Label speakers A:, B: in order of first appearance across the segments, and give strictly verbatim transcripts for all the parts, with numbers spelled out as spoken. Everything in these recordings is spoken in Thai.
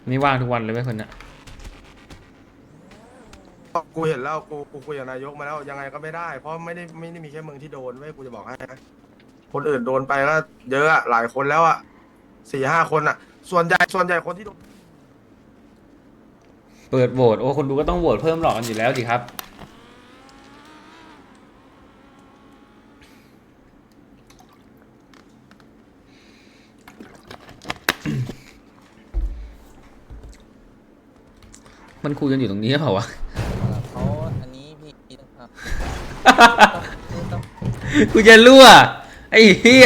A: นี่ว่างทุกวันเลยไหมคนเนี้ย
B: กูเห็นแล้วกูกูคุยกับนายกมาแล้วยังไงก็ไม่ได้เพราะไม่ได้ไม่ได้มีแค่มึงที่โดนเว้ยกูจะบอกให้นะคนอื่นโดนไปก็เยอะอะหลายคนแล้วอะสี่ห้าคนอะส่วนใหญ่ส่วนใหญ่คนที่โดน
A: เปิดโหวตโอ้คนดูก็ต้องโหวตเพิ่มหลอกกันอยู่แล้วดิครับมันคุยกันอยู่ตรงนี้หรือเปล่าวะ
C: เขาอันนี้พี่ครับต้อง
A: กูจะรั่วไอ้เหี้ย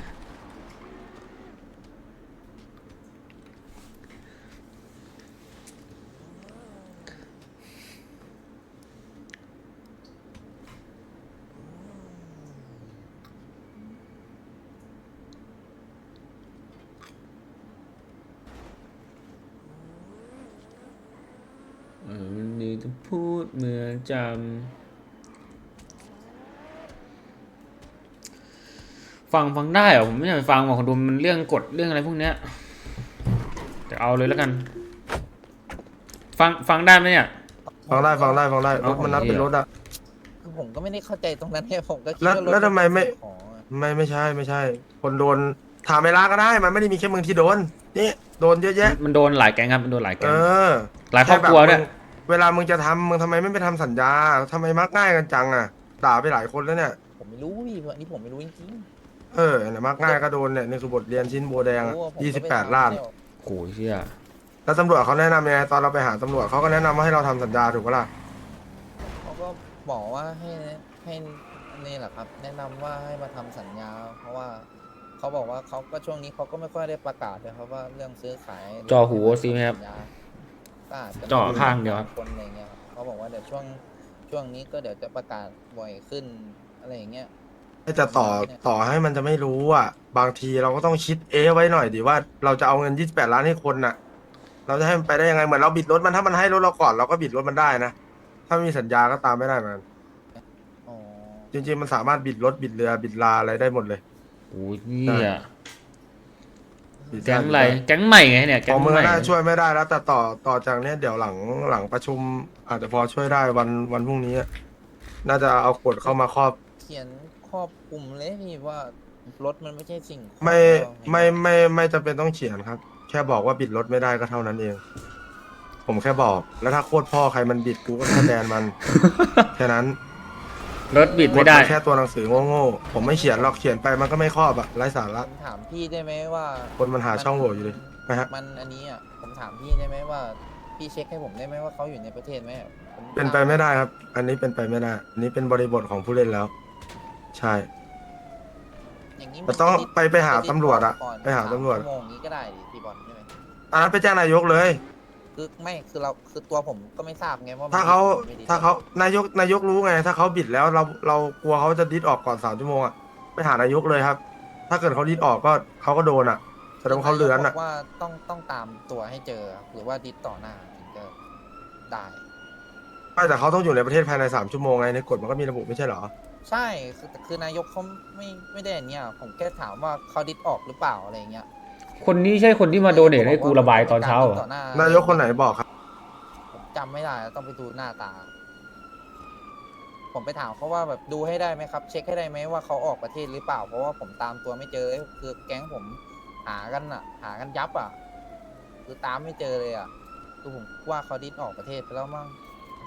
A: เออมันดีจะพูดเมื่อจำฟังฟังได้เหรอผมไม่อยากไปฟังหรอกคนดูมันเรื่องกฎเรื่องอะไรพวกเนี้ยแต่เอาเลยแล้วกัน ฟังฟังได้ไหมเนี่ย
B: ฟังได้ฟังได้ฟังได้รถมันนับเป็นรถอะ
C: คือผมก็ไม่ได้เข้าใจตรงนั้นเนี่ยผมก็คิด
B: แล้ว
C: ว่ารถ
B: แล้วทำไมไม่
C: ของ
B: ไม่ไม่ใช่ไม่ใช่ คนโดนถามเวลาก็ได้มันไม่ได้มีแค่มึงที่โดนนี่โดนเยอะแยะ
A: มันโดนหลายแก๊งครับมันโดนหลายแก๊
B: เอง อ
A: หลายครอบครัวด้วย
B: แมึงเวลามึงจะทำมึงทำไมไม่ไปทำสัญญาทำไมมักง่ายกันจังอะด่าไปหลายคนแล้วเนี่ย
C: ผมไม่รู้พี่อันนี้ผมไม่รู้จริง
B: เออเนี่ยมักง่ายก็โดนเนี่ยนี่คือบทเรียนชิ้นโบแด
C: ๆ
B: งอะ
C: รู้ว่าผม
B: ยี่
C: ก็
B: สิบ
C: ไป
B: แปด
C: ถม
B: ล้าน
C: แล้ว
A: โอ้ยเชี่ย
B: แล้วตำรวจเขาแนะนำยังไงตอนเราไปหาตำรวจเขาก็แนะนำว่าให้เราทำสัญญาถูกปะล่ะ
C: เขาก็บอกว่าให้ให้นี่แหละครับ แนะนำว่าให้มาทำสัญญา เพราะว่าเขาบอกว่าเขาก็ช่วงนี้เขาก็ไม่ค่อยได้ประกาศเลยครับว่าเรื่องซื้อขาย
A: จอหูโอซีไหมครับ
C: สัญญาก็อาจจะ
A: จ่อข้างเดียวครับ
C: คนอะไรเงี้ยครับเขาบอกว่าเดี๋ยวช่วงช่วงนี้ก็เดี๋ยวจะประกาศบ่อยขึ้นอะไรอย่างเงี้ย
B: แต่ต่อต่อให้มันจะไม่รู้อ่ะบางทีเราก็ต้องคิดเอะไว้หน่อยดิว่าเราจะเอาเงินยี่สิบแปดล้านให้คนน่ะ เราจะให้มันไปได้ยังไงเหมือนเราบิดรถมันถ้ามันให้รถเราก่อนเราก็บิดรถมันได้นะถ้าไม่มีสัญญาก็ตามไม่ได้เหมือนกัน
C: อ๋อ
B: จริงๆมันสามารถบิดรถบิดเรือบิดลาอะไรได้หมดเลย
A: โอ้ยเนี่ย
B: บิดด้
A: แก๊งอะไร
B: บิดด้
A: แก๊งใหม่ไงเนี่ย
B: ข
A: แก๊
B: อง งมึง
A: ใหม่
B: น่าช่วยไม่ได้แล้วแต่ต่อต่อจากเนี้ยเดี๋ยวหลังหลังประชุม อาจจะพอช่วยได้วันวันพรุ่งนี้อะน่าจะเอากฎเข้ามาครอบ
C: เขียนครอบคลุมเลยพี่ว่ารถมันไม่ใช่สิ่งของ
B: ไม่
C: เรา
B: ไม่ไม่ไม่จำเป็นต้องเขียนครับ แค่บอกว่าบิดรถไม่ได้ก็เท่านั้นเอง ผมแค่บอก แล้วถ้าโคตรพ่อใครมันบิดกูก็แค่แบนมัน แค่นั้น
A: รถบิดไม่ได้
B: กฎนแค่ตัวหนังสือโง่ๆผมไม่เขียนหรอกเขียนไปมันก็ไม่ครอบอะไร้สาระ
C: ผมถามพี่ได้ไหมว่า
B: คนมันหาช่องโหว่อยู่เลยนะฮะ
C: มันอันนี้อ่ะผมถามพี่ได้ไหมว่าพี่เช็คให้ผมได้ไหมว่าเขาอยู่ในประเทศไหมผม
B: เป็นไปไม่ได้ครับ อันนี้เป็นไปไม่ได้ อันนี้เป็นบริบทของผู้เล่นแล้ว ใช่
C: อย่างนี้
B: แต่ต้อง
C: มัน
B: ไปไปหาตำรวจอะ
C: ก่น
B: ไปหาตำรวจ
C: สมชั่โมงนี้ก็ได้ดิพี่บอลใช่ไหม
B: อันนั้นไปแจ้งนายกเลย
C: คือไม่คือเราคือตัวผมก็ไม่ทราบไงว่ามัน
B: ถ้าเขา
C: ไม่ดี
B: ถ้าเขานายกนายกรู้ไง ถ้าเขาบิดแล้วเราเรากลัวเขาจะดิสออกก่อนสามชั่วโมงอะไปหานายกเลยครับ ถ้าเกิดเขาดิสออกก็เขาก็โดนอะแสดงว่าเขาเลือน
C: บ
B: อะ
C: อกว่าต้องต้องตามตัวให้เจอหรือว่าดิสต่อหน้าถึงจะได้
B: ไม่แต่เขาต้องอยู่ในประเทศภายในสามชั่วโมงไงในกฎมันก็มีระบุไม่ใช่เหรอ
C: ใช่คือแต่คือนายกเขาไม่ไม่ได้อย่างเนี้ยผมแค่ถามว่าเขาดิสออกหรือเปล่าอะไรอย่างเงี้ย
A: คนนี้ใช่คนที่มาโดเนทให้กูระบายตอนเช้าเหรอ
C: ต่ห
B: นายกคนไหนบอกครับ
C: ผมจำไม่ได้ต้องไปดูหน้าตา ผมไปถามเขาว่าแบบดูให้ได้ไหมครับ เช็คให้ได้ไหมว่าเขาออกประเทศหรือเปล่า เพราะว่าผมตามตัวไม่เจอคือแก๊งผมหากันอ่ะ หากันยับอ่ะ คือตามไม่เจอเลยอ่ะคือผมว่าเขาดิสออกประเทศไปแล้วมั้ง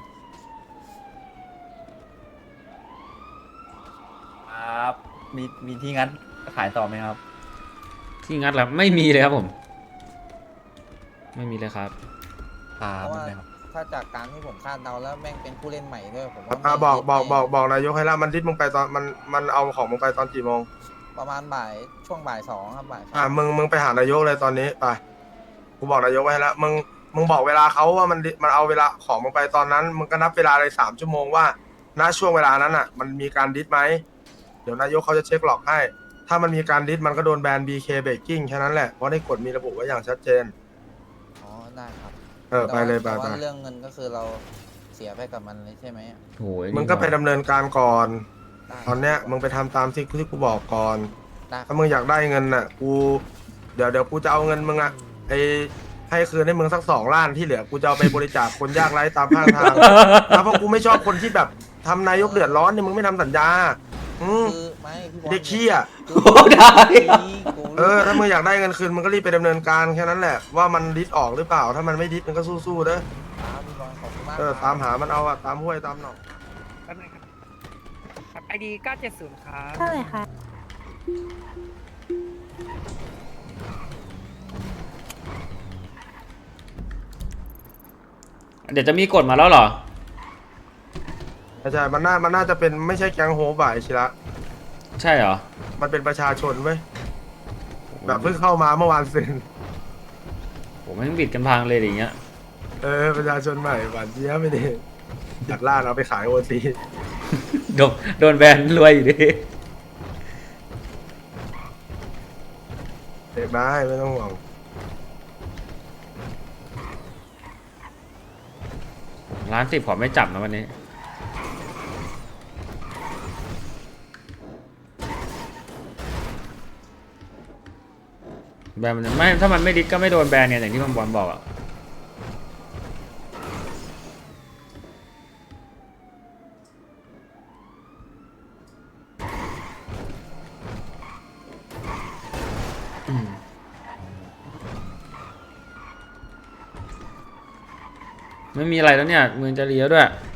D: ครับมีมีที่งั้นขายต่อไหมครับ
A: ที่งัดแล้วไม่มีเลยครับผม ไม่มีเลยครับ
D: ครับ
C: เพราะ
D: ไม่
C: ว่า
D: เป็นไรครับ
C: ถ้าจากการที่ผมคาดเดาแล้วแม่งเป็นผู้เล่นใหม่ด้วยผมว่า
B: อ่า
C: ไม่
B: บอก
C: ดิส
B: บอก
C: แน่
B: บอกบอกนายกให้แล้วมันดิสมึงไปตอนมันมันเอาของมึงไปตอนกี่โมง
C: ประมาณบ่ายช่วงบ่ายสองครับบ่ายสอง
B: อ่ามึงมึงไปหานายกเลยตอนนี้ไปกูบอกนายกไว้ให้แล้วมึงมึงบอกเวลาเขาว่ามันดิมันเอาเวลาของมึงไปตอนนั้นมึงก็นับเวลาเลยสามชั่วโมงว่าณช่วงเวลานั้นอ่ะ มันมีการดิสไหมเดี๋ยวนายกเขาจะเช็คหลอกให้ ถ้ามันมีการดิสมันก็โดนแบน บี เค Baking แค่นั้นแหละเพราะในกฎมีระบุไว้อย่างชัดเจน
C: อ๋อได้ครับ
B: เออไปเลยไป
C: แต่
B: ไป
C: ว่าเรื่องเงินก็คือเราเสียไปกับมันเลยใช่ไหม
A: โอ้ย
B: มึงก็ไปดำเนินการก่อน
C: ได้
B: ตอนเนี้ยมึงไปทำตามที่ที่กูบอกก่อน
C: ได้
B: ถ้ามึงอยากได้เงินน่ะ กู เดี๋ยวเดี๋ยวกูจะเอาเงินมึงอะไอให้คืนให้มึงสักสองล้านที่เหลือกูจะเอาไปบริจาคคนยากไร้ตามข้างทางแล้วเพราะกูไม่ชอบคนที่แบบทำนายกเดือดร้อนเนี่ยมึงไม่ทำสัญญาอืม
C: คือไม่พี่บอล
B: เด็กขี้อ่ะ
C: คือ
A: โอ้ได้
C: กู
B: เออถ้ามึงอยากได้เงินคืนมึงก็รีบไปดำเนินการแค่นั้นแหละว่ามันดิสออกหรือเปล่าถ้ามันไม่ดิสมึงก็สู้ๆเด้อ
C: ครับพี่บอลขอบคุณมาก
B: เออ
C: ครับ
B: ตามหามันเอาอะตามห้วยตามหนอง
E: แป๊บนึงครับครับไอดีเก้าเจ็ดศูนย์ครับ
F: เท่าไหร่คะ
A: เดี๋ยวจะมีกฎมาแล้วเหรอ
B: ใช่มันน่ามันน่าจะเป็นไม่ใช่แก๊งโฮปอะไอชิระ
A: ใช่เหรอ
B: มันเป็นประชาชนเว้ยแบบเพิ่งเข้ามาเมื่อวานเซ็น
A: ผมไม่งบิดกันพังเลยอย่างเงี้ย
B: เออประชาชนใหม่หวานเจี๊ยบไม่ดีจัดล่าเราไปขายโอซี
A: โดนโดนแบนรวยอยู่ดิ
B: เด็กได้ไม่ต้องห่วง
A: ร้านสิบขอไม่จับนะวันนี้ แบนมันไม่ถ้ามันไม่ดิสก็ไม่โดนแบนเนี่ยอย่างที่มันบอลบอกอะอืมไม่มีอะไรแล้วเนี่ยเมืองจะเลี้ยวด้วย